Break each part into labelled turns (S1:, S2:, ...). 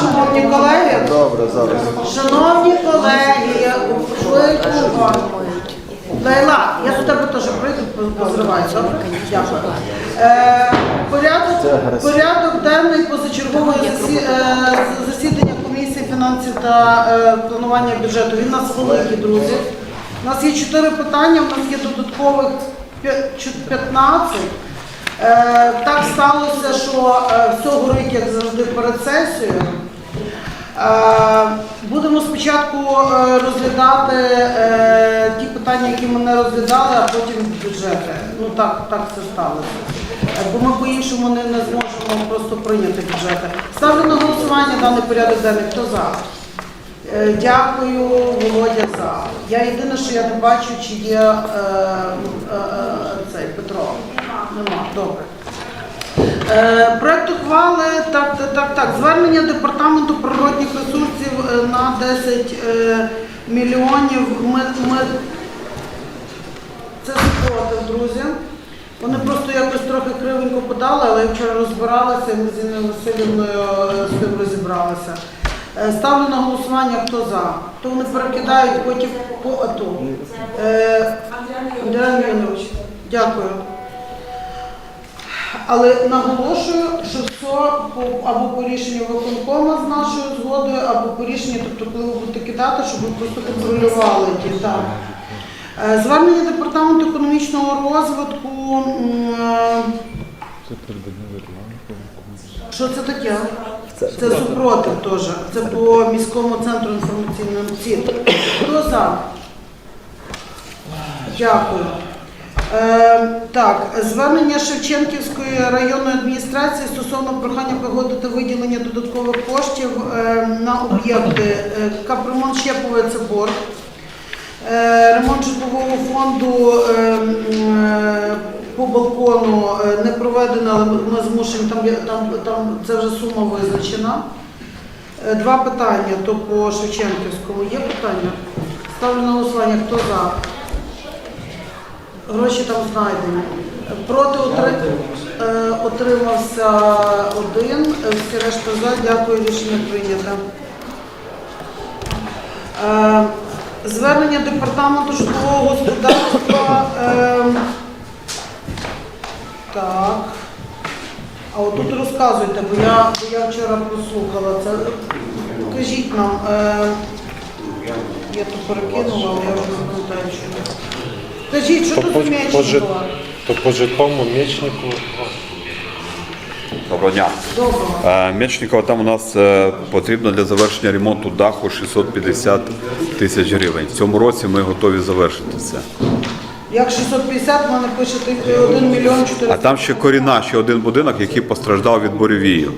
S1: шановні колеги.
S2: Добре, зараз.
S1: Шановні колеги, Лейла, я до тебе теж прийду, позриваю, добре? Дякую. Порядок денний позачергового засідання комісії фінансів та планування бюджету. Він у нас великий, друзі. У нас є 4 питання, у нас є додаткових 15. Так сталося, що все горить, як завжди, перед сесією. Будемо спочатку розглядати ті питання, які ми не розглядали, а потім бюджети. Ну так це сталося. Бо ми по-іншому не зможемо просто прийняти бюджети. Ставлю на голосування даний порядок денний. Хто за? Дякую, Володя, за. Я єдине, що я не бачу, чи є цей Петро. Нема. Добре. Проект ухвали, так. Звернення Департаменту природних ресурсів на 10 мільйонів. Це супротив, друзі. Вони просто якось трохи кривенько подали, але я вчора розбиралася, і ми з Інною Василівною з тим розібралися. Ставлю на голосування, хто за. То вони перекидають потім по АТО. Андрій Євгенович, дякую. Але наголошую, що все або по рішенню виконкому з нашою згодою, або по рішенню, тобто коли ви будете кидати, щоб ви просто контролювали ті. Так. Звернення Департаменту економічного розвитку. Що це таке? Це супротив теж. Це по міському центру інформаційного ЦІТ. Хто за? Дякую. Так, звернення Шевченківської районної адміністрації стосовно прохання погодити виділення додаткових коштів на об'єкти капремонт Щепове – це борг, ремонт житлового фонду по балкону не проведено, але ми змушені, там це вже сума визначена. 2 питання, то по Шевченківському є питання? Ставлю на голосування, хто за? Гроші там знайдені. Проти отримався 1, всі решта за. Дякую, рішення прийнято. Звернення Департаменту житлового господарства. Так. А отут розказуйте, бо я вчора прослухала це. Кажіть нам, я тут перекинула, але я вже не пам'ятаю, що. Скажіть, що тут у Мечникова?
S3: То по житловому Мечнику.
S4: Доброго дня.
S1: Доброго.
S4: Мечникова, там у нас потрібно для завершення ремонту даху 650 тисяч гривень. В цьому році ми готові завершити це.
S1: Як 650, в мене пишете 1 мільйон 400.
S4: А там ще коріна, ще один будинок, який постраждав від буревію.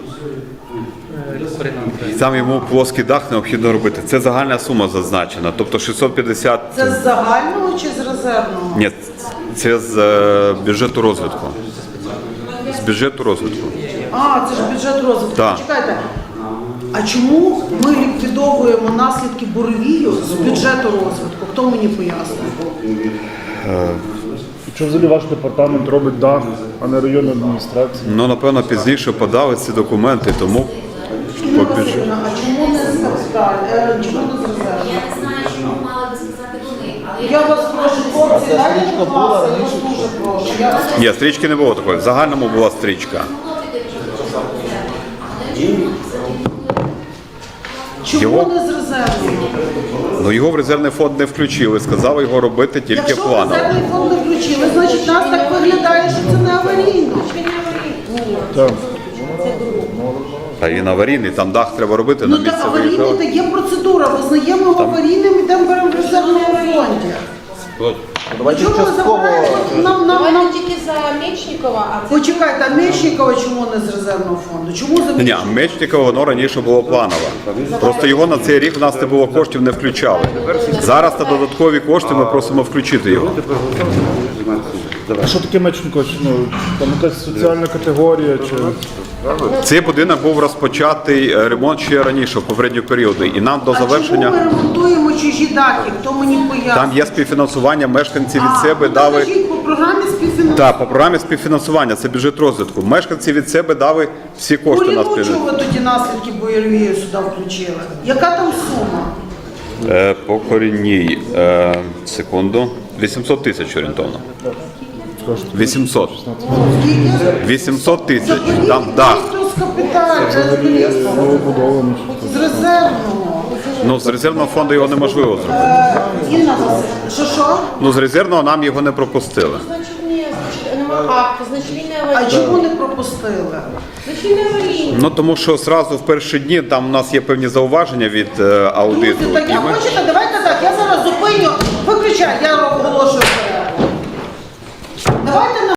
S4: І там йому плоский дах необхідно робити. Це загальна сума зазначена. Тобто 650...
S1: Це з загального чи з резервного?
S4: Ні, це з бюджету розвитку. З бюджету розвитку.
S1: А, це ж бюджет розвитку.
S4: Так.
S1: Чекайте, а чому ми ліквідовуємо наслідки буревію з бюджету розвитку? Хто мені пояснив?
S2: Чому взагалі ваш департамент робить дах, а не районна адміністрація?
S4: Ну, напевно, пізніше подали ці документи, тому...
S1: Інна Василівна, а чому не з капіталу? Чому не з резерву?
S5: Я не знаю, що мали би сказати вони, але
S1: Я вас прошу, хлопці, дайте, будь ласка, я вас дуже прошу.
S4: Ні, стрічки не було такої. В загальному була стрічка.
S1: Чому не з резерву?
S4: Ну, його в резервний фонд не включили, сказали його робити тільки
S1: Якщо
S4: планово.
S1: резервний фонд не включили, значить нас так виглядає, що це не аварійно.
S2: Так.
S4: Та він аварійний, там дах треба робити на
S1: Ну
S4: місці
S1: так аварійний,
S4: виїжджав.
S1: так є процедура, визнаємо його аварійним, йдемо беремо в резервному фонді.
S2: Давайте
S1: Чому ви
S2: частково.
S1: забираєте?
S6: Давайте тільки за Мечникова, а це...
S1: Почекайте, а Мечникова чому не з резервного фонду? Чому за
S4: Ні,
S1: Мечникова?
S4: Мечникова, воно раніше було планове. Просто його на цей рік в нас не було коштів, не включали. Зараз на додаткові кошти ми просимо включити його.
S2: А що таке Мечникова? Ну, там якась соціальна категорія чи...
S4: Цей будинок був розпочатий ремонт ще раніше, в попередні періоди. І нам до
S1: А чому
S4: завершення...
S1: ми ремонтуємо чужі дахи? Хто мені пояснює?
S4: Там є співфінансування, мешканці від себе
S1: ну,
S4: дали...
S1: Скажіть, будь програмі співфінансування.
S4: Так, по програмі співфінансування, це бюджет розвитку. Мешканці від себе дали всі кошти на
S1: Чого
S4: співфінансування.
S1: ви тоді наслідки бойові сюди включили? Яка там сума?
S4: По корінній, секунду, 800 тисяч орієнтовно. 800.
S1: Скільки?
S4: 800 тисяч.
S1: Заберіть
S4: Там, да.
S1: просто з капіталу,
S2: Новобудовані.
S1: з резервного.
S4: Ну, з резервного фонду його неможливо зробити.
S1: Інна Васильівна, що?
S4: Ну, з резервного нам його не пропустили.
S6: Значить, ні, значить, нема акту, значить він не
S1: А
S6: аварійний.
S1: чому не пропустили?
S6: Значить він не аварійний.
S4: Ну, тому що одразу в перші дні там у нас є певні зауваження від аудиту.
S1: Друзі, так
S4: і
S1: я
S4: ми-
S1: хочете, давайте так, я зараз зупиню, виключаю, я оголошую перерву. Давайте